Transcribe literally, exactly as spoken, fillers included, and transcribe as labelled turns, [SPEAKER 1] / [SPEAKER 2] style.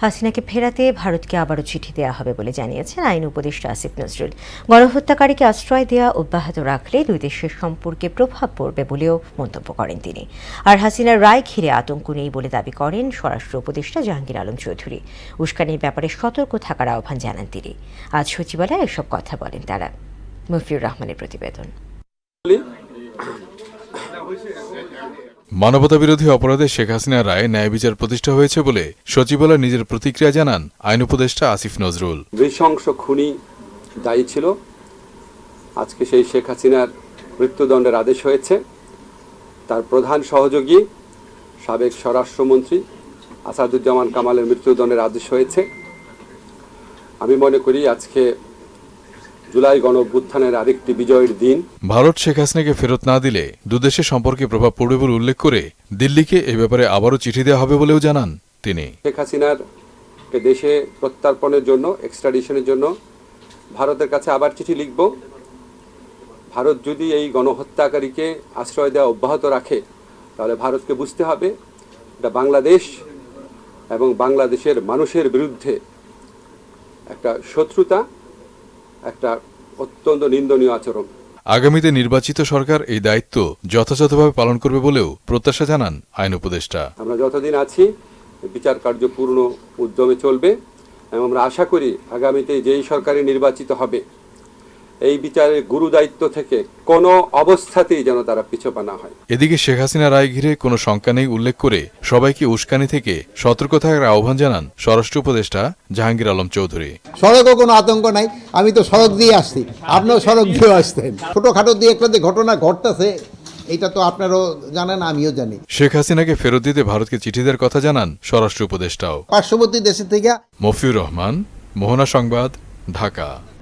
[SPEAKER 1] হাসিনাকে ফেরাতে ভারতকে আবারও চিঠি দেওয়া হবে বলে জানিয়েছেন আইন উপদেষ্টা আসিফ নজরুল। গণহত্যাকারীকে আশ্রয় দেওয়া অব্যাহত রাখলে দুই দেশের সম্পর্কে প্রভাব পড়বে বলেও মন্তব্য করেন তিনি। আর হাসিনার রায় ঘিরে আতঙ্ক নেই বলে দাবি করেন স্বরাষ্ট্র উপদেষ্টা জাহাঙ্গীর আলম চৌধুরী। উস্কানির ব্যাপারে সতর্ক থাকার আহ্বান জানান তিনি। আজ সচিবালয়ে এসব কথা বলেন তারা। মফিউর রহমানের প্রতিবেদন।
[SPEAKER 2] মানবতাবিরোধী অপরাধে শেখ হাসিনার রায়ে ন্যায় বিচার প্রতিষ্ঠা হয়েছে বলে সচিবালয় নিজের প্রতিক্রিয়া জানান আইন উপদেষ্টা আসিফ নজরুল।
[SPEAKER 3] নৃশংস খুনি দায়ী ছিল, আজকে সেই শেখ হাসিনার মৃত্যুদণ্ডের আদেশ হয়েছে। তার প্রধান সহযোগী সাবেক স্বরাষ্ট্রমন্ত্রী আসাদুজ্জামান কামালের মৃত্যুদণ্ডের আদেশ হয়েছে। আমি মনে করি আজকে জুলাই গণঅভ্যুত্থানের আরেকটি বিজয়ের দিন।
[SPEAKER 2] ভারত শেখ হাসিনাকে ফেরত না দিলে দুদেশের সম্পর্কে প্রভাব পড়বে বলে উল্লেখ করে দিল্লিকে এ ব্যাপারে আবারও চিঠি দেওয়া হবে বলেও জানান তিনি।
[SPEAKER 3] শেখ হাসিনার দেশে প্রত্যার্পণের জন্য, এক্সট্রাডিশনের জন্য ভারতের কাছে আবার চিঠি লিখব। ভারত যদি এই গণহত্যাকারীকে আশ্রয় দেওয়া অব্যাহত রাখে তাহলে ভারতকে বুঝতে হবে এটা বাংলাদেশ এবং বাংলাদেশের মানুষের বিরুদ্ধে একটা শত্রুতা, একটা অত্যন্ত নিন্দনীয় আচরণ।
[SPEAKER 2] আগামীতে নির্বাচিত সরকার এই দায়িত্ব যথাযথভাবে পালন করবে বলেও প্রত্যাশা জানান আইন উপদেষ্টা।
[SPEAKER 3] আমরা যতদিন আছি বিচার কার্য পূর্ণ উদ্যমে চলবে এবং আমরা আশা করি আগামীতে যেই সরকারই নির্বাচিত হবে এই বিচারের গুরু দায়িত্ব থেকে কোনো অবস্থাতেই যেন তারা পিছপা না হয়।
[SPEAKER 2] এদিকে শেখ হাসিনা রায় ঘিরে কোনো শঙ্কা নেই উল্লেখ করে সবাইকে উস্কানি থেকে সতর্ক থাকার আহ্বান জানান স্বরাষ্ট্র উপদেষ্টা জাহাঙ্গীর আলম চৌধুরী।
[SPEAKER 4] সড়কও কোনো আতঙ্ক নাই, আমি তো সড়ক দিয়ে আসছি, আপনিও সড়ক দিয়ে আসতেন। ছোটখাটো দিয়ে একটা যে ঘটনা ঘটতেছে এটা তো আপনারও জানেন, আমিও জানি।
[SPEAKER 2] শেখ হাসিনাকে ফেরত দিতে ভারতকে চিঠি দেওয়ার কথা জানান স্বরাষ্ট্র উপদেষ্টাও।
[SPEAKER 4] পার্শ্ববর্তী দেশের থেকে
[SPEAKER 2] মফিউর রহমান, মোহনা সংবাদ, ঢাকা।